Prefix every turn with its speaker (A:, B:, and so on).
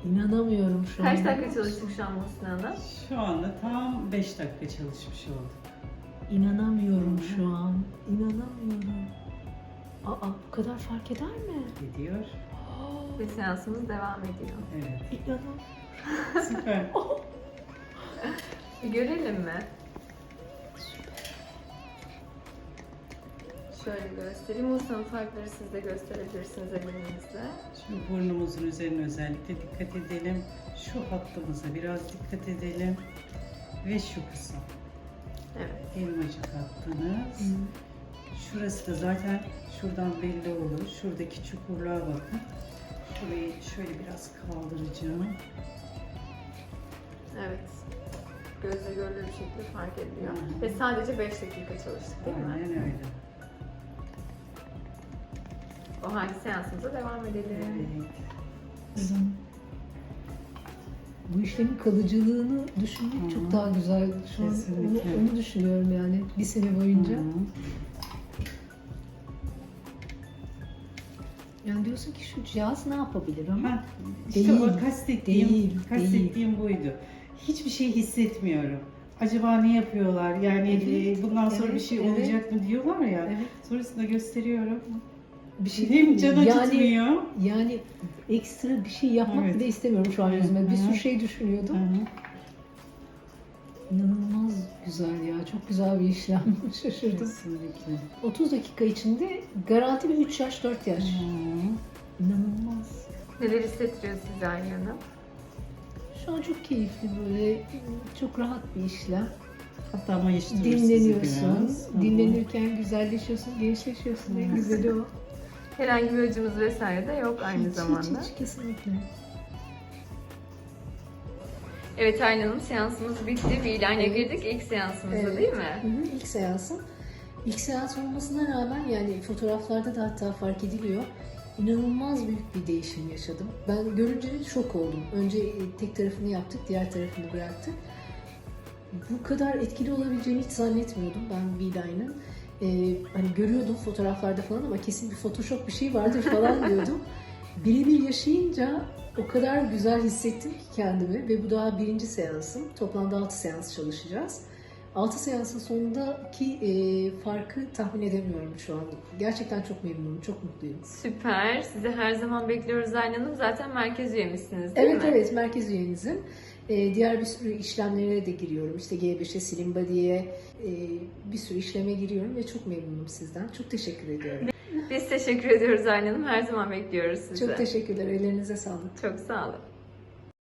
A: İnanamıyorum şu an.
B: Kaç dakika çalıştık şu an Muhsin Hanım?
C: Şu anda tam 5 dakika çalışmış olduk.
A: İnanamıyorum şu an. İnanamıyorum. Aa, bu kadar fark eder mi?
C: Gidiyor.
B: Ve seansımız devam ediyor.
C: Evet.
A: İnanamıyorum.
C: Süper.
B: Bir görelim mi? Şöyle göstereyim. Muhsin Hanım farkları siz de gösterebilirsiniz elinizle.
C: Şimdi burnumuzun üzerine özellikle dikkat edelim. Şu hattımıza biraz dikkat edelim. Ve şu kısım.
B: Evet.
C: Elmacık hattınız. Şurası da zaten şuradan belli olur. Şuradaki çukurluğa bakın. Şurayı şöyle biraz kaldıracağım.
B: Evet. Gözle görülür bir şekilde fark ediliyor.
C: Hı hı.
B: Ve sadece 5 dakika çalıştık değil mi?
C: Aynen öyle.
B: O halde seansımıza devam edelim.
C: Evet.
A: Bu işlemin kalıcılığını düşünmek
C: Hı.
A: çok daha güzel. Şu an
C: Kesinlikle.
A: onu düşünüyorum yani bir sene boyunca.
C: Hı.
A: Yani diyorsun ki şu cihaz ne yapabilir ama
C: Ha, işte
A: Değil,
C: o kastettiğim
A: değil.
C: buydu. Hiçbir şey hissetmiyorum. Acaba ne yapıyorlar? Yani
A: Evet,
C: bundan sonra bir
A: evet,
C: şey
A: evet.
C: olacak mı diyorlar ya.
A: Evet.
C: Sonrasında gösteriyorum.
A: bir şey
C: Hem can
A: yani,
C: acıtmıyor.
A: yani ekstra bir şey yapmak
C: Evet.
A: bile istemiyorum şu an yüzüme. Bir
C: Hı hı.
A: sürü şey düşünüyordum.
C: Hı hı.
A: İnanılmaz güzel ya. Çok güzel bir işlem. Şaşırdım.
C: Kesinlikle.
A: 30 dakika içinde garanti bir 3 yaş 4 yaş.
C: Hı.
A: İnanılmaz.
B: Neler hissettiriyor size Aylin Hanım?
A: Şu an çok keyifli böyle çok rahat bir işlem.
C: Hatta mayıştırır sizi
A: Dinleniyorsun.
C: biraz. Hı hı.
A: Dinlenirken güzelleşiyorsun, gençleşiyorsun. En güzeli o.
B: Herhangi bir acımız vesaire de yok aynı
A: Hiç,
B: zamanda.
A: hiç kesinlikle.
B: Evet Aylin Hanım, seansımız bitti. Bir ilana girdik ilk seansımıza
A: Evet.
B: değil mi?
A: Hı hı, ilk seansım. İlk seans olmasına rağmen yani fotoğraflarda da hatta fark ediliyor. İnanılmaz büyük bir değişim yaşadım. Ben görünce şok oldum. Önce tek tarafını yaptık, diğer tarafını bıraktık. Bu kadar etkili olabileceğini hiç zannetmiyordum ben V-Line'ın. Hani görüyordum fotoğraflarda falan ama kesin bir Photoshop bir şey vardır falan diyordum. Birebir yaşayınca o kadar güzel hissettim ki kendimi ve bu daha birinci seansım. Toplamda 6 seans çalışacağız. 6 seansın sonundaki farkı tahmin edemiyorum şu an. Gerçekten çok memnunum, çok mutluyum.
B: Süper. Sizi her zaman bekliyoruz Aylin Hanım. Zaten merkez üyemizsiniz değil mi?
A: Evet, merkez üyenizim. Diğer bir sürü işlemlere de giriyorum. İşte G5'e, Slim Body'ye bir sürü işleme giriyorum ve çok memnunum sizden. Çok teşekkür ediyorum.
B: Biz teşekkür ediyoruz Aylin Hanım. Her zaman bekliyoruz sizi.
A: Çok teşekkürler. Ellerinize sağlık.
B: Çok sağ olun.